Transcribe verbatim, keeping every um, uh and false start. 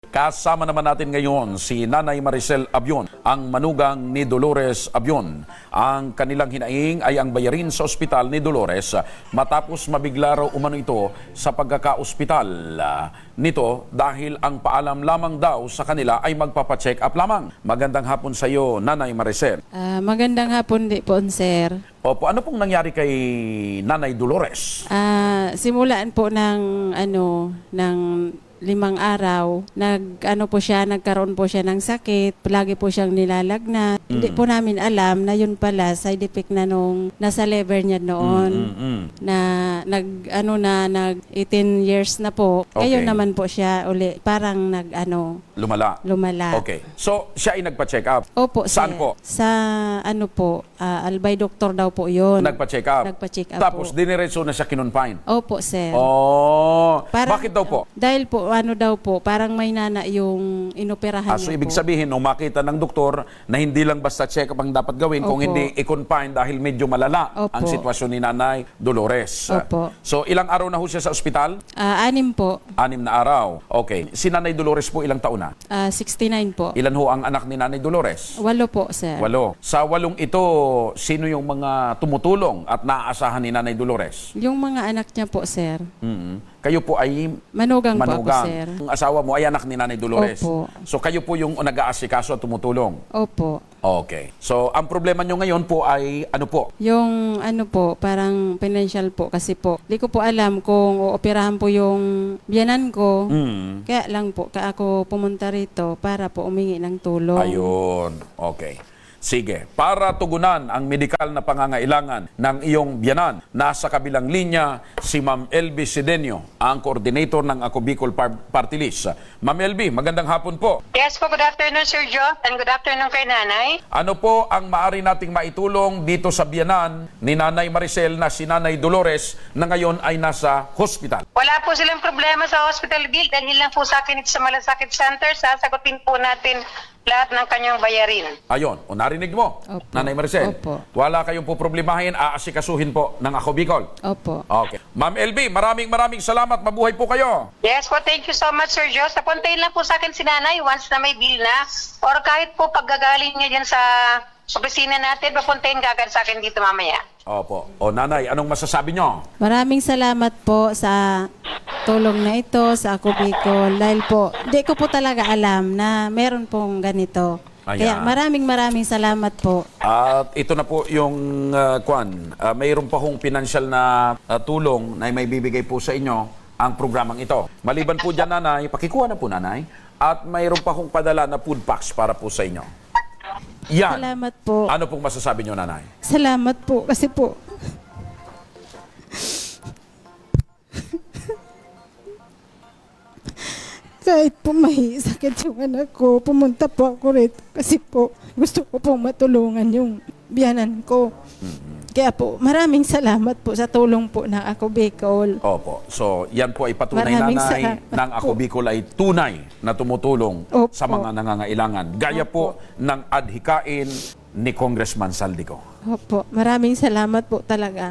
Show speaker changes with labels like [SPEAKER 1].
[SPEAKER 1] Kasama naman natin ngayon si Nanay Maricel Abion, ang manugang ni Dolores Abion. Ang kanilang hinaing ay ang bayarin sa ospital ni Dolores matapos mabigla raw umano ito sa pagkaka-ospital nito dahil ang paalam lamang daw sa kanila ay magpapacheck up lamang. Magandang hapon sa iyo, Nanay Maricel.
[SPEAKER 2] Ah, magandang hapon di po, sir.
[SPEAKER 1] Opo, ano pong nangyari kay Nanay Dolores?
[SPEAKER 2] Ah, simulaan po ng ano ng limang araw, nag ano po siya, nagkaroon po siya ng sakit, palagi po siyang nilalagnat. Mm. Hindi po namin alam na yun pala side effect na nung nasa liver niya noon.
[SPEAKER 1] Mm, mm, mm.
[SPEAKER 2] Na nag ano na nag eighteen years na po.
[SPEAKER 1] Okay.
[SPEAKER 2] Ngayon naman po siya uli parang nag ano
[SPEAKER 1] Lumala.
[SPEAKER 2] lumala.
[SPEAKER 1] Okay. So, siya ay nagpa-check up.
[SPEAKER 2] Opo,
[SPEAKER 1] Saan
[SPEAKER 2] sir.
[SPEAKER 1] po?
[SPEAKER 2] Sa ano po, ah, Albay Doctor daw po yun.
[SPEAKER 1] Nagpa-check up.
[SPEAKER 2] Nagpa-check up
[SPEAKER 1] Tapos,
[SPEAKER 2] po.
[SPEAKER 1] diniretso na siya kinonfine.
[SPEAKER 2] Opo, sir.
[SPEAKER 1] Oh,
[SPEAKER 2] Parang-
[SPEAKER 1] bakit daw po?
[SPEAKER 2] Dahil po, ano daw po, parang may nana yung inoperahan
[SPEAKER 1] Ah, so,
[SPEAKER 2] niya
[SPEAKER 1] ibig
[SPEAKER 2] po.
[SPEAKER 1] sabihin, nung makita ng doktor na hindi lang basta check-up ang dapat gawin, kung
[SPEAKER 2] Opo.
[SPEAKER 1] hindi i-confine dahil medyo malala
[SPEAKER 2] Opo.
[SPEAKER 1] ang sitwasyon ni Nanay Dolores.
[SPEAKER 2] Opo.
[SPEAKER 1] So, ilang araw na ho siya sa ospital?
[SPEAKER 2] Ah, anim po,
[SPEAKER 1] Anim na araw. Okay. Si Nanay Dolores po, ilang taon na?
[SPEAKER 2] Ah, sixty-nine po.
[SPEAKER 1] Ilan ho ang anak ni Nanay Dolores?
[SPEAKER 2] Walo po, sir.
[SPEAKER 1] Walo. Sa walong ito, sino yung mga tumutulong at naaasahan ni Nanay Dolores?
[SPEAKER 2] Yung mga anak niya po, sir.
[SPEAKER 1] Mm. Kayo po ay
[SPEAKER 2] Manugang, po ako,
[SPEAKER 1] manugang.
[SPEAKER 2] sir.
[SPEAKER 1] Ang asawa mo ay anak ni Nanay Dolores.
[SPEAKER 2] Opo.
[SPEAKER 1] So kayo po yung nag-aasikaso at tumutulong.
[SPEAKER 2] Opo.
[SPEAKER 1] Okay. So ang problema nyo ngayon po ay ano po?
[SPEAKER 2] Yung ano po, parang financial po kasi po. Di ko po alam kung ooperahan po yung biyanan ko.
[SPEAKER 1] Mm.
[SPEAKER 2] Kaya lang po, ka ako pumunta rito para po umingi ng tulong.
[SPEAKER 1] Ayun. Okay. Sige, para tugunan ang medikal na pangangailangan ng iyong biyanan, nasa kabilang linya si Ma'am Elby Sidenio, ang coordinator ng Ako Bicol Par- Party List. Ma'am Elby, magandang hapon po.
[SPEAKER 3] Yes po, good afternoon Sir Joe, and good afternoon kay Nanay.
[SPEAKER 1] Ano po ang maaari nating maitulong dito sa biyanan ni Nanay Maricel na si Nanay Dolores na ngayon ay nasa hospital?
[SPEAKER 3] Wala po silang problema sa hospital bill dahil lang po sa akin ito sa Malasakit Center, sasagutin po natin lahat ng kanyang bayarin.
[SPEAKER 1] Ayon, o narinig mo,
[SPEAKER 2] Opo.
[SPEAKER 1] Nanay Maricel.
[SPEAKER 2] Opo.
[SPEAKER 1] Wala kayong po problemahin, aasikasuhin po ng Ako Bicol.
[SPEAKER 2] Opo.
[SPEAKER 1] Okay. Ma'am Elby, maraming maraming salamat. Mabuhay po kayo.
[SPEAKER 3] Yes po, thank you so much Sir Joe. Napuntahin lang po sa akin si Nanay once na may bill na or kahit po paggagaling niya dyan sa opisina natin, papuntahin kagad sa akin dito mamaya.
[SPEAKER 1] Opo. O Nanay, anong masasabi nyo?
[SPEAKER 2] Maraming salamat po sa tulong na ito sa Ako Bicol. Dahil po, di ko po talaga alam na meron pong ganito.
[SPEAKER 1] Ayan.
[SPEAKER 2] Kaya maraming maraming salamat po.
[SPEAKER 1] At ito na po yung uh, kwan. Uh, mayroon pa hong pinansyal na uh, tulong na may bibigay po sa inyo ang programang ito. Maliban po dyan, Nanay, pakikuha na po, Nanay. At mayroon pa hong padala na food packs para po sa inyo. Yan.
[SPEAKER 2] Salamat po.
[SPEAKER 1] Ano pong masasabi nyo, Nanay?
[SPEAKER 2] Salamat po kasi po kahit po may sakit yung anak ko, pumunta po ako rito kasi po gusto ko pong matulungan yung biyanan ko. Kaya po, maraming salamat po sa tulong po ng Ako Bicol.
[SPEAKER 1] Opo. So, yan po ay patunay,
[SPEAKER 2] Maraming
[SPEAKER 1] Nanay,
[SPEAKER 2] salamat
[SPEAKER 1] ng Ako
[SPEAKER 2] po.
[SPEAKER 1] Bicol ay tunay na tumutulong
[SPEAKER 2] Opo.
[SPEAKER 1] sa mga nangangailangan. Gaya po ng adhikain ni Congressman Saldico.
[SPEAKER 2] Opo, maraming salamat po talaga.